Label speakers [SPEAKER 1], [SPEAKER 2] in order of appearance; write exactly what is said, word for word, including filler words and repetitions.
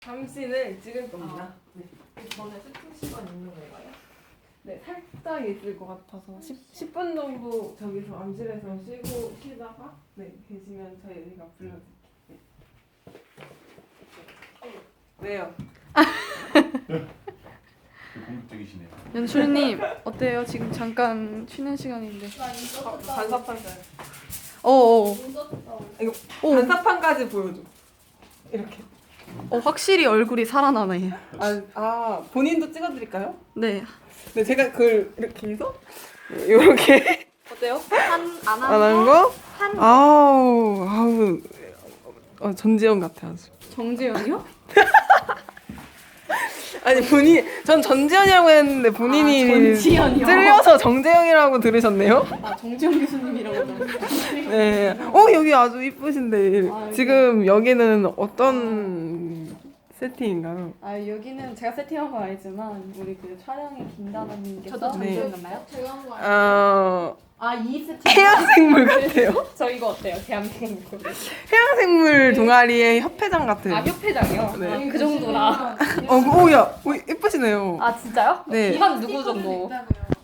[SPEAKER 1] 잠시는 찍을 겁니다.
[SPEAKER 2] 아,
[SPEAKER 1] 네.
[SPEAKER 2] 전에 세팅 시간 있는 건가요?
[SPEAKER 1] 네, 살짝 있을 것 같아서 십 분 정도 저기서 암실에서 쉬고 쉬다가 네 계시면 저희가 불러드릴게요. 네. 왜요?
[SPEAKER 3] 공격적이시네요.
[SPEAKER 4] 연출님 어때요? 지금 잠깐 쉬는 시간인데.
[SPEAKER 1] 어, 반사판까지.
[SPEAKER 4] 어어.
[SPEAKER 1] 이거
[SPEAKER 4] 오.
[SPEAKER 1] 반사판까지 보여줘. 이렇게.
[SPEAKER 4] 어 확실히 얼굴이 살아나네.
[SPEAKER 1] 아, 아 본인도 찍어드릴까요?
[SPEAKER 4] 네.
[SPEAKER 1] 네, 제가 그걸 이렇게 해서 이렇게
[SPEAKER 4] 어때요? 한안
[SPEAKER 1] 안 한 거? 아우 아우 어, 전지현 같아 아주.
[SPEAKER 4] 정재현이요?
[SPEAKER 1] 아니 본인 전 전지현이라고 했는데 본인이
[SPEAKER 4] 아, 전지현이요?
[SPEAKER 1] 찔려서 정재영이라고 들으셨네요?
[SPEAKER 4] 아 정재현 교수님이라고.
[SPEAKER 1] 네. 어 여기 아주 이쁘신데
[SPEAKER 4] 아, 여기.
[SPEAKER 1] 지금 여기는 어떤 세팅인가요?
[SPEAKER 4] 아 여기는 제가 세팅한 건 아니지만 우리 그 촬영의 김다나님께서
[SPEAKER 2] 저도
[SPEAKER 1] 네.
[SPEAKER 4] 정재현인가요?
[SPEAKER 2] 제가 한 거 아니에요?
[SPEAKER 1] 어
[SPEAKER 4] 아이 세팅.
[SPEAKER 1] 해양생물 같아요.
[SPEAKER 4] 저 이거 어때요? 대한민국.
[SPEAKER 1] 해양생물 동아리의 협회장 같아요.
[SPEAKER 4] 아 협회장이요?
[SPEAKER 1] 네.
[SPEAKER 4] 아, 그 정도라.
[SPEAKER 1] 어, 오야, 오, 예쁘시네요.
[SPEAKER 4] 아 진짜요?
[SPEAKER 1] 네.
[SPEAKER 4] 한 누구 정도?
[SPEAKER 2] 있다고요.